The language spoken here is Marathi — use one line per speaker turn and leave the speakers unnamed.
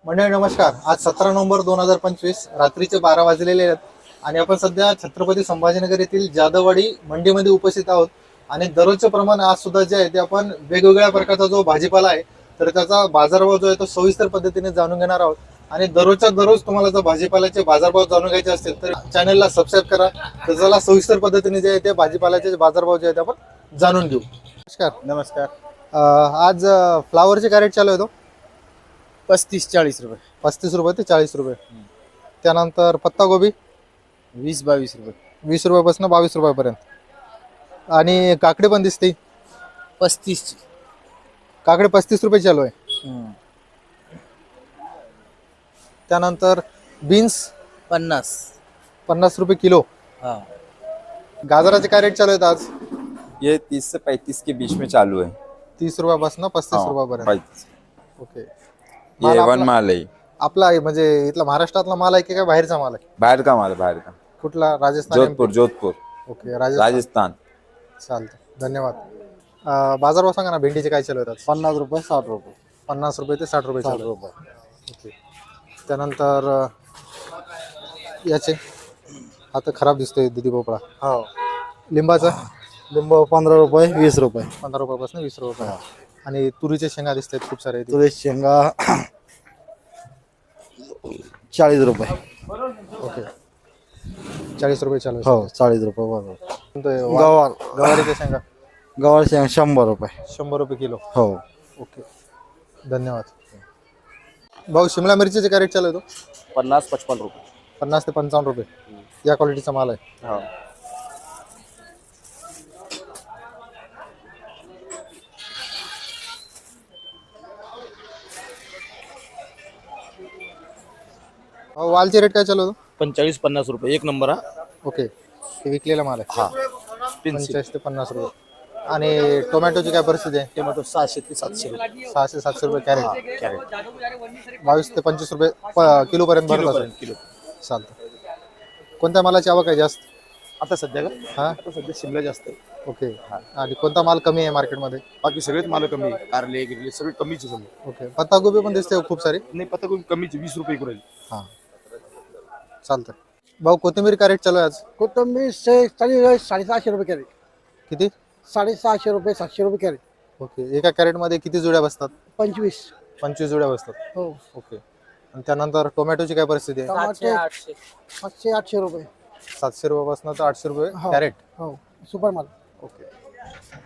मंडळी नमस्कार. आज 17 नोव्हेंबर 2025 रात्रीचे 12 वाजलेले आहेत आणि आपण सध्या छत्रपती संभाजीनगर येथील जाधववाडी मंडीमध्ये उपस्थित आहोत. आणि दररोजचे प्रमाण आज सुद्धा जे आहे ते आपण वेगवेगळ्या प्रकारचा जो भाजीपाला आहे तर त्याचा बाजारभाव जो आहे तो सविस्तर पद्धतीने जाणून घेणार आहोत. आणि दररोजच्या दररोज तुम्हाला जर भाजीपाल्याचे बाजारभाव जाणून घ्यायचे असतील तर चॅनलला सबस्क्राईब करा. तर चला सविस्तर पद्धतीने जे आहे ते भाजीपाल्याचे बाजारभाव जे आहे ते आपण जाणून घेऊ. नमस्कार.
नमस्कार.
आज फ्लावरचे कॅरेट चालू आहे तो
35-40 रुपये.
35 रुपये ते 40 रुपये. त्यानंतर पत्ता गोबी
20-22 रुपये.
20 रुपयापासून 22 रुपयापर्यंत. आणि काकडी पण दिसते
35.
काकडी 35 रुपये चालू आहे. त्यानंतर बीन्स
50
रुपये किलो.
हाँ.
गाजराचे काय रेट चालू आहेत आज?
ये 30 से 35 के बीच में चालू है.
30 रुपयापासून 35
हाँ,
रुपयापर्यंत.
35.
ओके.
ये
माल
वन
आपला
माल है.
आपला आहे म्हणजे इथला महाराष्ट्रातला माल आहे की काय बाहेरचा माल आहे?
बाहर का माल है, बाहर का.
कुठला? राजस्थान,
जोधपुर, जोधपुर,
ओके, राजस्थान.
राजस्थान.
चालतं, धन्यवाद. बाजारभाव सांगा ना, भेंडीचे काय चालू आहेत आज?
50 रुपये 60 रुपये.
50 रुपये ते 60 रुपये
60
चालू आहे.
रुपये.
ओके. त्यानंतर याचे आता खराब दिसतोय दुधी भोपळा.
हो.
लिंबाचा
लिंबू 15 रुपये 20 रुपये.
15 रुपयापासून 20 रुपये. आणि तुरीचे शेंगा दिसतात खूप सारे.
तुळस शेंगा 40 रुपये.
ओके, 40 रुपये चालू आहे.
हो, 40 रुपये बरोबर.
गवार गवारीच्या शेंगा
गवार शेंगा 100 रुपये.
100 रुपये किलो.
हो.
ओके, धन्यवाद. भाऊ, शिमला मिरचीचे काय रेट चालू आहे तो?
50-55 रुपये.
50 ते 55 रुपये. या क्वालिटीचा माल आहे.
हो.
वालचे रेट काय चालू आहे तो?
45-50 रुपये. एक नंबर हा.
ओके, हे विकलेला माल आहे.
हा.
45 ते 50 रुपये. आणि टोमॅटोची काय परिस्थिती आहे?
टोमॅटो 600 ते 700 रुपये.
600-700 रुपये कॅरेट.
कॅरेट
22 ते 25 रुपये किलो पर्यंत भरत असेल.
किलो.
चालतं. कोणत्या मालाची आवक आहे जास्त?
आता सध्या का?
हा,
आता सध्या शिमला जास्त आहे.
ओके. आणि कोणता माल कमी आहे मार्केटमध्ये?
बाकी सगळेच माल कमी आहे. कारले गिरले सगळे कमीच आहे समजा.
ओके. पत्तागोबी पण दिसते खूप सारी.
नाही, पत्ता कोबी कमीच आहे, 20 रुपये करेल.
हां, चालतं. भाऊ, कोथिंबीर काय रेट चालू आहे आज?
कोथंबीर 750 रुपये कॅरेट.
किती?
650 रुपये 700 रुपये कॅरेट.
ओके. एका कॅरेटमध्ये किती जुड्या बसतात?
25.
25 जुड्या बसतात.
हो.
ओके. आणि त्यानंतर टोमॅटोची काय परिस्थिती आहे?
टमाटे 700-800 रुपये.
700 रुपयापासून तर 800 रुपये
हो.
कॅरेट.
हो, सुपर माल.
ओके.